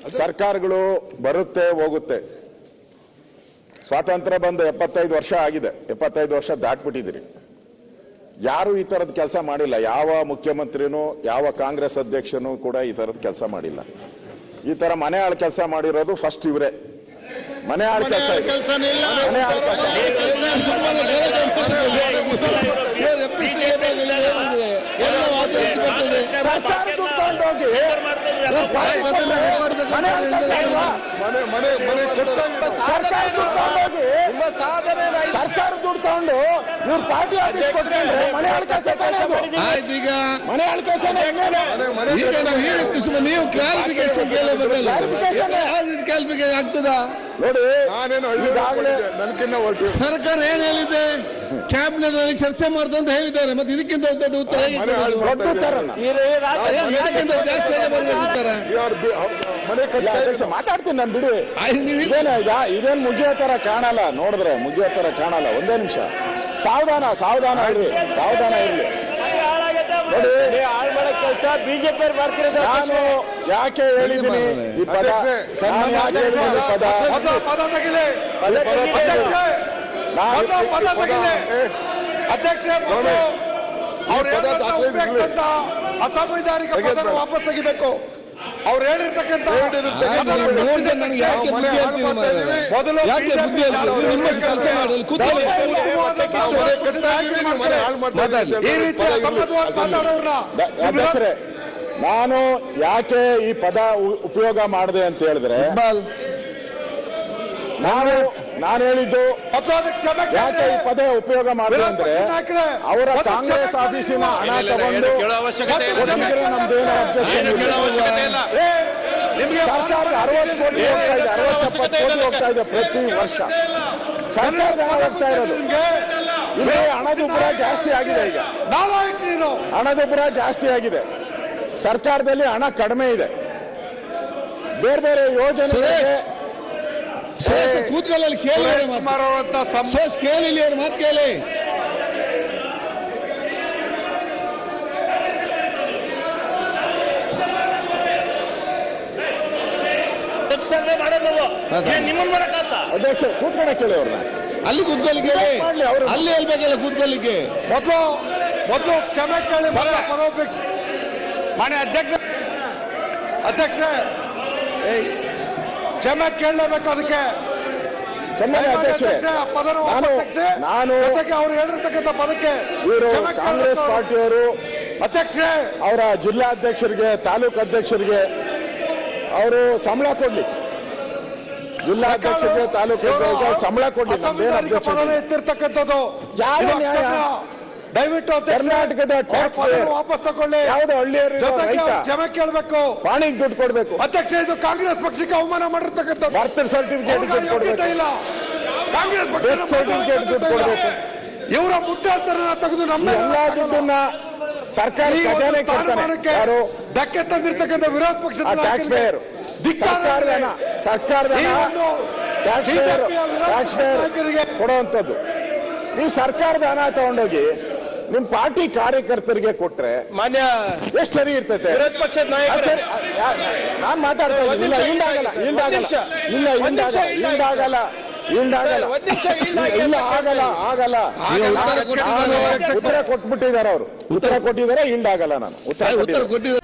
ಸರ್ಕಾರಗಳು ಬರುತ್ತೆ ಹೋಗುತ್ತೆ. ಸ್ವಾತಂತ್ರ್ಯ ಬಂದು 75 ವರ್ಷ ಆಗಿದೆ. 75 ವರ್ಷ ದಾಟ್ಬಿಟ್ಟಿದ್ದೀರಿ. ಯಾರು ಈ ತರದ ಕೆಲಸ ಮಾಡಿಲ್ಲ. ಯಾವ ಮುಖ್ಯಮಂತ್ರಿನೂ ಯಾವ ಕಾಂಗ್ರೆಸ್ ಅಧ್ಯಕ್ಷನೂ ಕೂಡ ಈ ತರದ ಕೆಲಸ ಮಾಡಿಲ್ಲ. ಈ ತರ ಮನೆ ಆಳ ಕೆಲಸ ಮಾಡಿರೋದು ಫಸ್ಟ್ ಇವರೇ. ಮನೆ ಆಳ ಕೆಲಸ ಮನೆ ಆಳ ಸರ್ಕಾರ ದುಡ್ಡು ತಗೊಂಡೋಗಿ ಸರ್ಕಾರ ದುಡ್ಡು ತಗೊಂಡು ಇವ್ರ ಪಾರ್ಟಿ ಆಫೀಸ್ ಕೊಟ್ಕೊಂಡ್ರೆ ಮನೆ ಆಳ ಕೆಲಸ ಈಗ ಮನೆ ಆಳ ಕೆಲಸ ನೀವು ಕ್ಲಾರಿಫಿಕೇಶನ್ ಕ್ಲಾರಿಫಿಕೇಶನ್ ಆಗ್ತದಾ ನೋಡಿ. ಸರ್ಕಾರ ಏನ್ ಹೇಳಿದೆ, ಕ್ಯಾಬಿನೆಟ್ ನಲ್ಲಿ ಚರ್ಚೆ ಮಾಡ್ದು ಅಂತ ಹೇಳಿದ್ದಾರೆ. ಮತ್ತೆ ಇದಕ್ಕಿಂತ ದೊಡ್ಡ ಉತ್ತರ ಮಾತಾಡ್ತೀನಿ ನಾನು, ಬಿಡಿ. ಇದೇನ್ ಮುಗಿಯೋ ತರ ಕಾಣಲ್ಲ, ನೋಡಿದ್ರೆ ಮುಗಿಯೋ ತರ ಕಾಣಲ್ಲ. ಒಂದೇ ನಿಮಿಷ ಸಾವಧಾನ ಇರ್ಲಿ, ಸಾವಧಾನ ಇರ್ಲಿ. ನೋಡಿ ಕೆಲಸ ಬಿಜೆಪಿ ನಾನು ಯಾಕೆ ಹೇಳಿದ್ದೀನಿ ಈ ಪದ, ಅಸಂವಿಧಾನಿಕ ಪದ ವಾಪಸ್ ತೆಗಿಬೇಕು. ಅವ್ರು ಹೇಳಿರ್ತಕ್ಕಂಥ ಅಧ್ಯಕ್ಷರೇ, ನಾನು ಯಾಕೆ ಈ ಪದ ಉಪಯೋಗ ಮಾಡಿದೆ ಅಂತ ಹೇಳಿದ್ರೆ, ನಾನು ಹೇಳಿದ್ದು ಯಾಕೆ ಈ ಪದ ಉಪಯೋಗ ಮಾಡಿದೆ ಅಂದ್ರೆ, ಅವರ ಕಾಂಗ್ರೆಸ್ ಆಫೀಸಿನ ಹಣ ತಗೊಂಡು ನಮ್ದೇನು ಅಬ್ಜೆಕ್ಷನ್ ಇಲ್ಲ. ಸರ್ಕಾರದ 60 ಕೋಟಿ ಹೋಗ್ತಾ ಇದೆ, 60-70 ಕೋಟಿ ಹೋಗ್ತಾ ಇದೆ ಪ್ರತಿ ವರ್ಷ. ಸರ್ಕಾರದ ಹಣ ಹೋಗ್ತಾ ಇರೋದು ಇಲ್ಲಿ. ಹಣದುಬ್ಬರ ಜಾಸ್ತಿ ಆಗಿದೆ. ಈಗ ಹಣದುಬ್ಬರ ಜಾಸ್ತಿ ಆಗಿದೆ. ಸರ್ಕಾರದಲ್ಲಿ ಹಣ ಕಡಿಮೆ ಇದೆ. ಬೇರೆ ಬೇರೆ ಯೋಜನೆಗಳಿಗೆ ಕೂತ್ಕೊಳ್ಳಲ್ಲಿ ಕೇಳಿ ಕೇಳಿ ಅವ್ರ ಮಾತು ಕೇಳಿ. ಅಧ್ಯಕ್ಷ ಕೂತ್ಕೊಂಡ ಕೇಳಿ ಅವ್ರನ್ನ. ಅಲ್ಲಿ ಕೂತ್ಕೊಳ್ಳಿ ಕೇಳಿ, ಅಲ್ಲಿ ಹೇಳ್ಬೇಕಲ್ಲ ಕೂತ್ಕೊಳ್ಳಿಕ್ಕೆ. ಮೊದಲು ಕ್ಷಮೆ ಕೇಳಿ. ಪದೋಪೇಕ್ಷ ಮಾನ್ಯ ಅಧ್ಯಕ್ಷ ಕ್ಷಮೆ ಕೇಳಲೇಬೇಕು. ಅದಕ್ಕೆ ನಾನು ಅವ್ರು ಹೇಳಿರ್ತಕ್ಕಂಥ ಪದಕ್ಕೆ ಇವರು ಕಾಂಗ್ರೆಸ್ ಪಾರ್ಟಿಯವರು ಅಧ್ಯಕ್ಷರೇ, ಅವರ ಜಿಲ್ಲಾಧ್ಯಕ್ಷರಿಗೆ, ತಾಲೂಕು ಅಧ್ಯಕ್ಷರಿಗೆ ಅವರು ಸಂಬಳ ಕೊಡ್ಲಿ. ಜಿಲ್ಲಾಧ್ಯಕ್ಷರಿಗೆ, ತಾಲೂಕು ಸಂಬಳ ಕೊಡ್ಲಿ. ಎತ್ತಿರ್ತಕ್ಕಂಥದ್ದು ಯಾವ ನ್ಯಾಯ? ದಯವಿಟ್ಟು ಕರ್ನಾಟಕದ ಟ್ಯಾಕ್ಸ್ ವಾಪಸ್ ತಗೊಳ್ಳಿ. ಯಾವುದೋ ಹಳ್ಳಿಯವರು ಕ್ಷಮೆ ಕೇಳಬೇಕು. ಪಾಣಿಗೆ ದುಡ್ಡು ಕೊಡಬೇಕು. ಅಧ್ಯಕ್ಷ, ಇದು ಕಾಂಗ್ರೆಸ್ ಪಕ್ಷಕ್ಕೆ ಅವಮಾನ ಮಾಡಿರ್ತಕ್ಕಂಥ ಬರ್ತ್ ಸರ್ಟಿಫಿಕೇಟ್ ದುಡ್ಡು ಕೊಡಬೇಕು ಇಲ್ಲ. ಕಾಂಗ್ರೆಸ್ ಡೆತ್ ಸರ್ಟಿಫಿಕೇಟ್ ದುಡ್ಡು ಕೊಡಬೇಕು. ಇವರ ಮುದ್ದಾಂತರನ ತೆಗೆದು ನಮ್ಮ ಎಲ್ಲಾ ದುಡ್ಡನ್ನ ಸರ್ಕಾರಿ ಖಜಾನೆ ಯಾರು ಧಕ್ಕೆ ತಂದಿರ್ತಕ್ಕಂಥ ವಿರೋಧ ಪಕ್ಷದ ಟ್ಯಾಕ್ಸ್ ಪೇಯರ್, ಸರ್ಕಾರದ ಟ್ಯಾಕ್ಸ್ ಪೇಯರ್ ಕೊಡುವಂಥದ್ದು. ನೀವು ಸರ್ಕಾರದ ಹಣ ತಗೊಂಡೋಗಿ ನಿಮ್ ಪಾರ್ಟಿ ಕಾರ್ಯಕರ್ತರಿಗೆ ಕೊಟ್ರೆ ಮಾನ್ಯ ಎಷ್ಟು ಸರಿ ಇರ್ತೈತೆ? ವಿರೋಧ ಪಕ್ಷದ ನಾಯಕರು ನಾನ್ ಮಾತಾಡ್ತಾ ಇದ್ದೀನಿ. ಇಲ್ಲ ಆಗಲ್ಲ. ಉತ್ತರ ಕೊಟ್ಬಿಟ್ಟಿದ್ದಾರೆ ಅವರು. ಉತ್ತರ ಕೊಟ್ಟಿದ್ದಾರೆ. ಆಗಲ್ಲ. ನಾನು ಉತ್ತರ ಕೊಟ್ಟಿದ್ದಾರೆ.